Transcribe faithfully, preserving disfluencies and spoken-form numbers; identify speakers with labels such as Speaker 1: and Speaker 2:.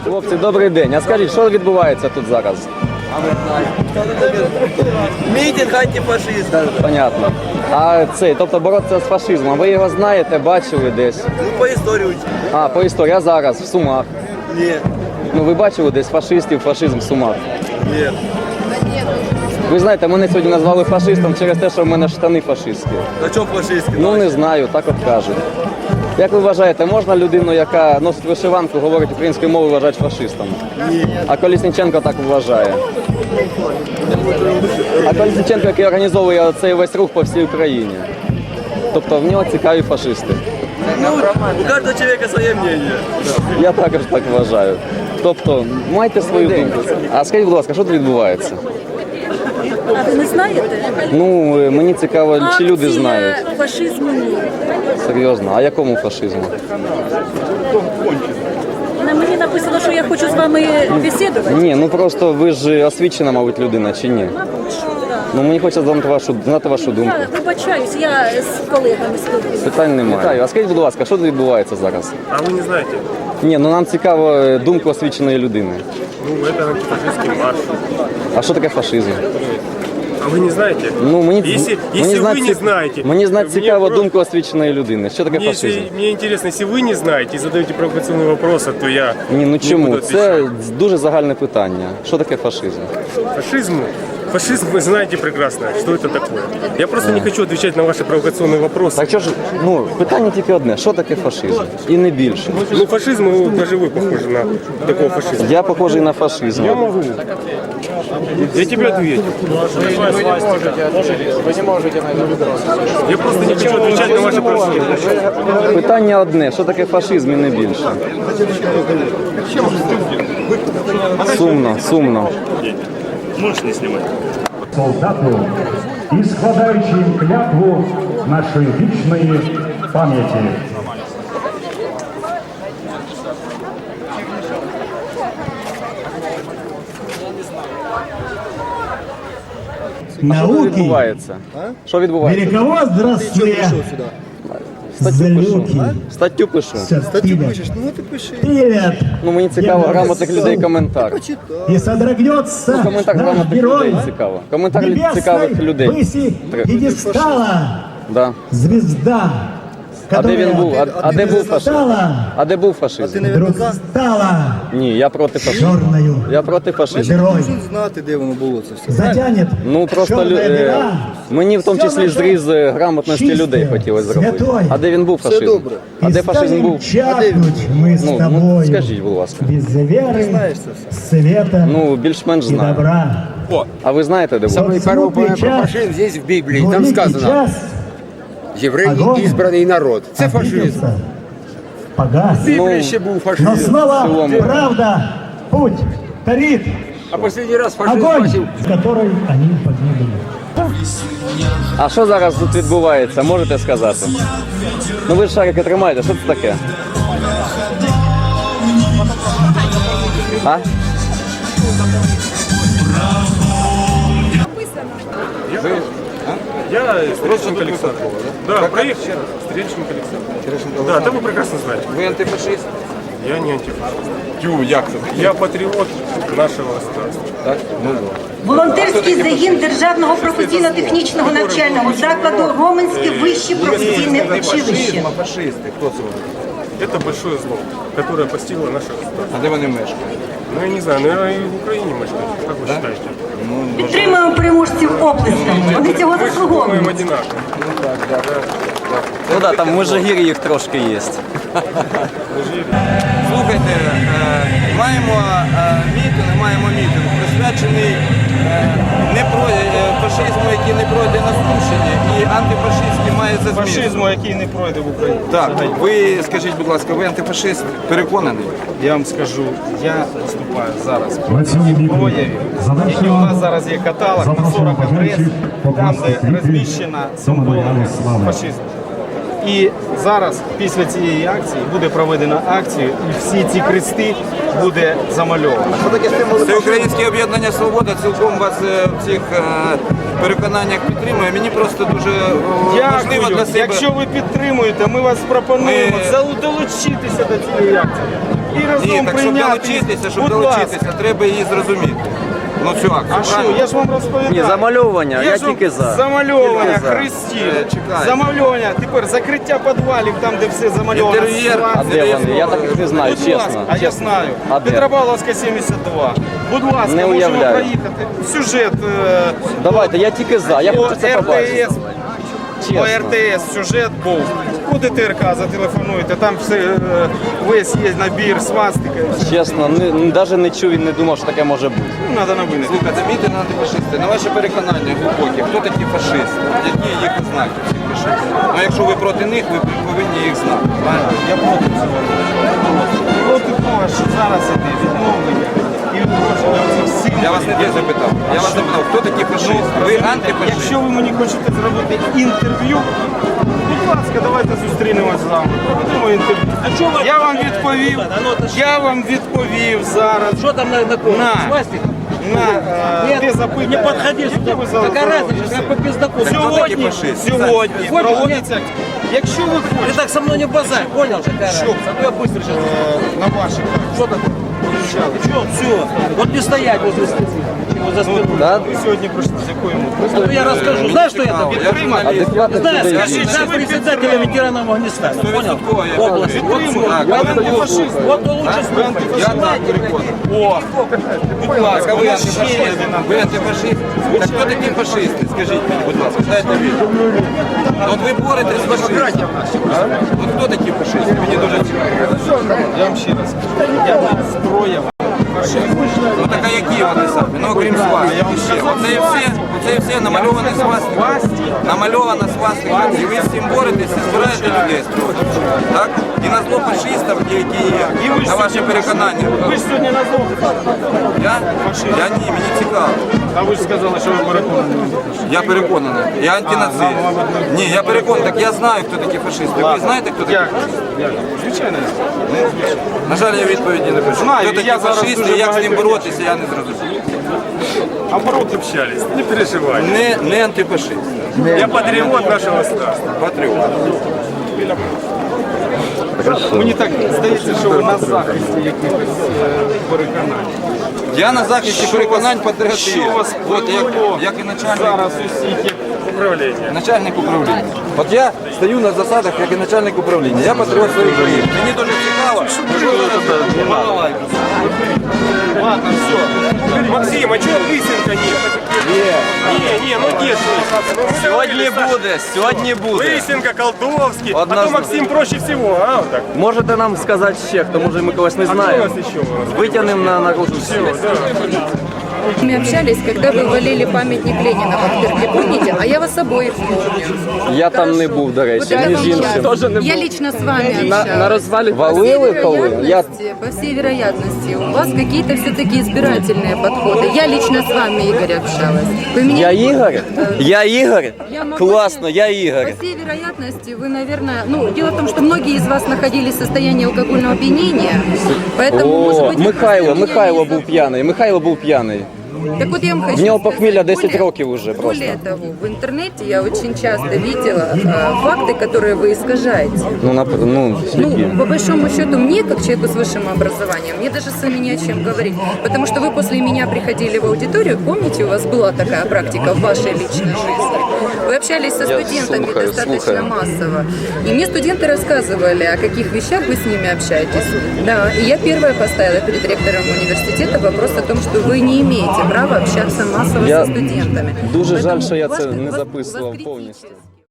Speaker 1: Хлопці, добрий день. А скажіть, що відбувається тут зараз?
Speaker 2: Мітинг антифашистів.
Speaker 1: Понятно. А цей, тобто боротися з фашизмом, ви його знаєте, бачили десь?
Speaker 2: Ну, по історії.
Speaker 1: А, по історії, а зараз, в Сумах.
Speaker 2: Ні.
Speaker 1: Ну, ви бачили десь фашистів, фашизм в Сумах?
Speaker 2: Ні.
Speaker 1: Ви знаєте, мене сьогодні назвали фашистом через те, що в мене штани фашистські.
Speaker 2: На чому фашистські?
Speaker 1: Ну, не знаю, так от кажуть. Як ви вважаєте, можна людину, яка носить вишиванку, говорить українською мовою, вважати фашистом?
Speaker 2: Ні.
Speaker 1: А Колісніченко так вважає. А Колісніченко, який організовує цей весь рух по всій Україні. Тобто в нього цікаві фашисти.
Speaker 2: Ну, у кожного чоловіка своє мнення.
Speaker 1: Я також так вважаю. Тобто, майте свою думку. А скажіть, будь ласка, що тут відбувається?
Speaker 3: А ви не знаєте?
Speaker 1: Ну, мені цікаво, чи люди знають.
Speaker 3: Акція фашизму ні.
Speaker 1: Серйозно, а якому фашизму?
Speaker 3: На мені написано, що я хочу з вами бесідувати.
Speaker 1: Ні, ну просто ви ж освічена, мабуть, людина, чи ні? Ну, мені хочеться знати вашу, знати вашу думку.
Speaker 3: Я вибачаюсь, я з колегами спілкуюся.
Speaker 1: Питань немає. Вітаю. А скажіть, будь ласка, що тут відбувається зараз?
Speaker 4: А вы не знаете?
Speaker 1: Ні, ну нам цікаво думка освіченої людини.
Speaker 4: Ну, это антифашистский марш.
Speaker 1: А що таке фашизм?
Speaker 4: А вы не знаете?
Speaker 1: Ну, мені,
Speaker 4: Если,
Speaker 1: мені
Speaker 4: если
Speaker 1: знати
Speaker 4: вы
Speaker 1: ці-
Speaker 4: не знаете,
Speaker 1: Мені знати
Speaker 4: мне
Speaker 1: цікаво
Speaker 4: просто-
Speaker 1: думку освіченої людини. Що таке
Speaker 4: Мне,
Speaker 1: фашизм?
Speaker 4: если, мне интересно, если вы не знаете и задаете провокационные вопросы, то я
Speaker 1: Ні, ну
Speaker 4: не
Speaker 1: чому?
Speaker 4: буду
Speaker 1: Це
Speaker 4: отвечать.
Speaker 1: дуже загальне питання. Що таке фашизм?
Speaker 4: Фашизм, фашизм, вы знаете прекрасно, что это такое. Я просто не хочу отвечать на ваши провокационные вопросы.
Speaker 1: Так що ж, ну, питання тільки одне. Що таке фашизм? І не більше.
Speaker 4: Ну, фашизм, ну, даже вы похожи на такого фашизма.
Speaker 1: Я похожий на фашизм.
Speaker 4: Я могу. Я тебе ответил. Я просто не хочу отвечать на ваши вопросы.
Speaker 1: Питання одне. Що таке фашизм і не більше? Сумно, сумно.
Speaker 4: Можешь не снимать.
Speaker 5: Солдату і складаючи їм клятву нашої вічної пам'яті.
Speaker 1: Що
Speaker 6: Науки
Speaker 1: відбувається? Що відбувається?
Speaker 6: великовозрастные злюки.
Speaker 1: Статтю пишу.
Speaker 6: Статью пишешь?
Speaker 2: Ну, ти пиши.
Speaker 6: Привет.
Speaker 1: Ну мені цікаво грамотних людей коментар.
Speaker 6: И содрогнется
Speaker 1: Коментар
Speaker 6: наш
Speaker 1: грамотних
Speaker 6: герой
Speaker 1: людей цікаво. Коментар
Speaker 6: небесной
Speaker 1: цікавих людей.
Speaker 6: выси
Speaker 1: Треба.
Speaker 6: пьедестала.
Speaker 1: Да.
Speaker 6: Звезда,
Speaker 1: А де він
Speaker 6: которая
Speaker 1: був? А, а де був фашизм?
Speaker 6: стала,
Speaker 1: А де був фашизм?
Speaker 6: вдруг стала
Speaker 1: Ні, я проти фашизму.
Speaker 6: черною
Speaker 1: Я проти фашизму.
Speaker 6: дырой.
Speaker 2: Знати, де воно було це все.
Speaker 6: Затянет
Speaker 1: Ну просто лю...
Speaker 6: черная
Speaker 1: е,
Speaker 6: дыра.
Speaker 1: мені в тому числі зріз е, грамотності
Speaker 6: Чисте,
Speaker 1: людей хотілося зробити.
Speaker 6: святой.
Speaker 1: А де він був фашизм?
Speaker 2: добре.
Speaker 1: А
Speaker 6: И
Speaker 1: де фашизм
Speaker 6: станем
Speaker 1: був?
Speaker 6: чахнуть мы с
Speaker 1: Ну, ну
Speaker 6: тобою
Speaker 1: скажіть, будь ласка.
Speaker 6: без веры,
Speaker 2: Знаєш це все.
Speaker 6: света
Speaker 1: Ну, більш-менш
Speaker 6: и
Speaker 1: знаю.
Speaker 6: добра.
Speaker 1: А ви знаєте, де був?
Speaker 6: Вот смутный
Speaker 7: Про
Speaker 6: час,
Speaker 7: фашизм здесь в Библии, там
Speaker 6: великий
Speaker 7: сказано,
Speaker 6: час
Speaker 7: євреї
Speaker 6: огонь
Speaker 7: избранный народ. Це фашизм.
Speaker 6: обиделся, погас.
Speaker 7: В Біблії ще був
Speaker 6: Но
Speaker 7: фашизм.
Speaker 6: снова
Speaker 1: целом.
Speaker 6: правда, путь тарит,
Speaker 7: А последний раз фашизм
Speaker 6: огонь,
Speaker 7: бачив.
Speaker 6: с которой они погибли.
Speaker 1: А що зараз тут відбувається, можете сказати? Ну ви ж шарики тримаєте, що це таке? А?
Speaker 4: Я Стрельченко Александр. Да, проехал. Стрельченко Александр. Да, да вы прекрасно знаете.
Speaker 7: Ви антифашист?
Speaker 4: Я не антифашист. Тю, як це? Я патриот нашего государства. Так? Ну,
Speaker 8: Волонтерський загін Державного професійно-технічного навчального закладу Роменське вище професійне училище.
Speaker 7: Фашисти, хто це вони?
Speaker 4: это большое зло, которое постигло наше государство.
Speaker 7: А де вони мешкають?
Speaker 4: Ну, я не знаю, наверное, и в Украине мешкают. Как вы считаете?
Speaker 8: Підтримуємо переможців оплесками. Вони цього
Speaker 4: Мы же думаем
Speaker 8: заслуговують.
Speaker 4: одинаково.
Speaker 1: Ну так, там в Межигір'ї їх трошки є.
Speaker 9: Слухайте, е, маємо е, мітинг, маємо мітинг, присвячений е, не про, е, фашизму, який не пройде на Сумщині, і антифашистський має за зміст.
Speaker 10: Фашизму, який не пройде в Україні.
Speaker 9: Так, ви скажіть, будь ласка, ви антифашист переконаний?
Speaker 10: Я вам скажу, я виступаю зараз
Speaker 5: На цьому
Speaker 10: проти
Speaker 5: мітингу
Speaker 10: проявів, які у
Speaker 5: завершено.
Speaker 10: нас зараз є каталог на
Speaker 5: Запрошую
Speaker 10: сорок адрес,
Speaker 5: бажаючих
Speaker 10: там,
Speaker 5: покласти
Speaker 10: де
Speaker 5: квіти
Speaker 10: розміщена
Speaker 5: до меморіалу
Speaker 10: символика
Speaker 5: слави.
Speaker 10: фашизму. І зараз, після цієї акції, буде проведена акція, і всі ці хрести буде замальовано.
Speaker 9: Це Українське об'єднання «Свобода» цілком вас е, в цих е, переконаннях підтримує. Мені просто дуже е, важливо
Speaker 10: Дякую.
Speaker 9: для себе.
Speaker 10: Якщо ви підтримуєте, ми вас пропонуємо
Speaker 9: Ми-
Speaker 10: залу- долучитися до цієї акції. і разом
Speaker 9: Ні, так щоб
Speaker 10: прийняти.
Speaker 9: долучитися, щоб
Speaker 10: Будь
Speaker 9: долучитися,
Speaker 10: ласка.
Speaker 9: треба її зрозуміти. Ну цю акцію,
Speaker 10: А що,
Speaker 9: правильно?
Speaker 10: я ж вам розповідаю.
Speaker 1: Ні, замальовування, я
Speaker 10: ж вам-
Speaker 1: тільки за.
Speaker 10: Замальовування,
Speaker 1: Тільки за.
Speaker 10: хрестів,
Speaker 9: Е, чекай.
Speaker 10: замальовування, тепер закриття підвалів, там, де все замальовано.
Speaker 9: Інтер'єр.
Speaker 10: свастика.
Speaker 1: А де вони? Я таких не знаю,
Speaker 10: Будь
Speaker 1: чесно.
Speaker 10: ласка, а я знаю.
Speaker 1: А де?
Speaker 10: Петропавловська сімдесят два. Будь ласка,
Speaker 1: Не
Speaker 10: можемо
Speaker 1: уявляю.
Speaker 10: проїхати. Сюжет е,
Speaker 1: Давайте, я тільки за, я
Speaker 10: по
Speaker 1: хочу це побачити.
Speaker 10: РТС. По
Speaker 1: Чесно.
Speaker 10: РТС сюжет був. По ДТРК зателефонуйте, там все, е, весь є набір, свастика.
Speaker 1: Чесно, навіть не чув і не думав, що таке може бути.
Speaker 10: Ну, треба новини.
Speaker 9: Слухайте, мітинги антифашисти, на ваше переконання глибокі, хто такі фашисти? Які їх ознаки цих фашистів? Ну якщо ви проти них, ви повинні їх знати. Правильно?
Speaker 10: Я проти цього. Проти того, що зараз іде відновлення і відродження цих сил.
Speaker 9: Я вас не те запитав. Я вас запитав, хто такі фашисти? Ви антифашисти?
Speaker 10: Якщо ви мені хочете зробити інтерв'ю, будь ласка, давайте зустрінемось з вами. Проведемо інтерв'ю. Я вам відповів, я вам відповів зараз.
Speaker 7: Что там на, на ком?
Speaker 10: На.
Speaker 7: Свастик?
Speaker 10: На е, те запитання.
Speaker 7: Не подходи
Speaker 10: які
Speaker 7: сюда.
Speaker 10: ви зараз
Speaker 7: Какая
Speaker 10: робите.
Speaker 7: разница, как по пиздаку.
Speaker 9: Хто такі
Speaker 10: Сьогодні,
Speaker 9: фашисти?
Speaker 10: сьогодні
Speaker 7: Ходиш,
Speaker 10: проводиться, якщо ви
Speaker 7: Ты
Speaker 10: хочете
Speaker 7: так со мной не базарь, понял? Какая
Speaker 10: Что?
Speaker 7: разница? А то я быстро сейчас.
Speaker 10: е, на ваших
Speaker 7: Что такое? Что, все. Вот не стоять возле стены. Возле спины.
Speaker 1: Да?
Speaker 10: ви сьогодні прийшли з якою метою?
Speaker 7: А то я расскажу. Знаешь, что я там?
Speaker 9: Я журналіст.
Speaker 1: Адекватних
Speaker 7: Знаешь,
Speaker 1: людей.
Speaker 7: скажи, зам председателя ветеранов Афганистана, понял?
Speaker 9: Стовідсотково я
Speaker 7: Области. Вот
Speaker 9: підтримую.
Speaker 7: всё.
Speaker 9: Так,
Speaker 7: Вот
Speaker 9: ви
Speaker 7: он
Speaker 9: антифашист.
Speaker 7: лучше- Вот он лучше
Speaker 9: Ви
Speaker 7: слушает.
Speaker 9: антифашист. Я так переконаний.
Speaker 10: О,
Speaker 9: Будь ласка, ви
Speaker 10: у нас
Speaker 9: антифашисти.
Speaker 10: ще один
Speaker 9: Ви антифашисти. Так хто такі фашисти? Скажіть мені, будь ласка, дайте відповідь. От ви боретесь з фашистами. От хто такі фашисти? Мені дуже цікаво.
Speaker 10: я вам ще раз скажу, я зброя
Speaker 9: Ну так а які вони самі? Ну окрім свастики ще. Оце і все, оце і все намальоване свастика. Намальована свастика. І ви з цим боретесь і збираєте людей з цього. Так? І на зло фашистам, які є, на ваше переконання.
Speaker 10: Ви ж сьогодні на зло.
Speaker 9: Я? Я ні, мені цікаво.
Speaker 10: А ви ж сказали, що ви переконані.
Speaker 9: Я переконаний. Я антинацист. Ні, я переконаний. Так я знаю, хто такі фашисти. Ви знаєте, хто такі?
Speaker 10: Як? Як? Звичайно.
Speaker 9: На жаль, я відповіді не пишу.
Speaker 10: Знаю,
Speaker 9: Хто такі
Speaker 10: я зараз
Speaker 9: фашисти,
Speaker 10: дуже
Speaker 9: як з ним
Speaker 10: багато-
Speaker 9: боротися, я не зрозумів.
Speaker 4: А проти общались, не переживай.
Speaker 9: Не, не антифашист.
Speaker 4: Я патриот нашего страны.
Speaker 9: Патріот.
Speaker 10: Мені так здається, що ви на захисті якихось е, переконань.
Speaker 9: Я на захисті переконань патріотів.
Speaker 10: Що вас
Speaker 9: От як,
Speaker 10: привело
Speaker 9: як і начальник,
Speaker 10: зараз усіх, як
Speaker 4: Управление.
Speaker 9: начальник управління. От я стою на засадах, як і начальник управління. Я патріот своєї країни. Мені дуже цікаво, що зараз балалайка.
Speaker 10: ладно, все.
Speaker 4: Максим, а чего лысинка нет? Не, не, ну где ж лысинка?
Speaker 1: Сьогодні буде, сьогодні буде.
Speaker 4: Лысинка, Колдовский. А то
Speaker 1: Однозначно.
Speaker 4: Максим проще всего, а? Вот так.
Speaker 1: Можете нам сказати ще, хто може ми когось не
Speaker 4: А кто у
Speaker 1: знаємо?
Speaker 4: нас еще? у нас?
Speaker 1: Витягнемо на наружу всіх.
Speaker 11: Мы общались, когда вы валили памятник Ленина в Ахтырке, помните? А я вас обоих помню.
Speaker 1: Я там не був, до речі,
Speaker 11: Вот это
Speaker 1: між
Speaker 11: вам
Speaker 1: іншим.
Speaker 11: я. Я лично с вами общалась.
Speaker 1: розвалі
Speaker 11: По всей
Speaker 1: валили коли? Я
Speaker 11: вероятности, по всей вероятности, у вас какие-то все-таки избирательные подходы. Я лично с вами, Игорь, общалась. Вы меня
Speaker 1: Я Ігор? Я Ігор?
Speaker 11: Я могу
Speaker 1: Класно,
Speaker 11: себе-
Speaker 1: я Ігор.
Speaker 11: По всей вероятности, вы, наверное... Ну, дело в том, что многие из вас находились в состоянии алкогольного опьянения, поэтому, может
Speaker 1: О,
Speaker 11: быть... вы
Speaker 1: Михайло,
Speaker 11: просто меня
Speaker 1: Михайло
Speaker 11: не
Speaker 1: був
Speaker 11: зап-
Speaker 1: п'яний, Михайло був п'яний.
Speaker 11: Так вот я вам хочу
Speaker 1: В нього
Speaker 11: сказать,
Speaker 1: похмілля десять
Speaker 11: более-
Speaker 1: років уже просто.
Speaker 11: Более того, в интернете я очень часто видела э, факты, которые вы искажаете.
Speaker 1: Ну, нап- ну,
Speaker 11: Ну,
Speaker 1: які?
Speaker 11: по большому счету, мне, как человеку с высшим образованием, мне даже с вами не о чем говорить. Потому что вы после меня приходили в аудиторию, помните, у вас была такая практика в вашей личной жизни. Вы общались со
Speaker 1: Я
Speaker 11: студентами
Speaker 1: слухаю,
Speaker 11: достаточно
Speaker 1: слухаю.
Speaker 11: массово. И мне студенты рассказывали, о каких вещах вы с ними общаетесь. Да, и я первая поставила перед ректором университета вопрос о том, что вы не имеете права общаться массово
Speaker 1: Я
Speaker 11: со студентами.
Speaker 1: дуже жаль,
Speaker 11: Поэтому
Speaker 1: що я
Speaker 11: у вас-
Speaker 1: це
Speaker 11: у
Speaker 1: не
Speaker 11: вас- у вас
Speaker 1: записував
Speaker 11: критически-
Speaker 1: повністю.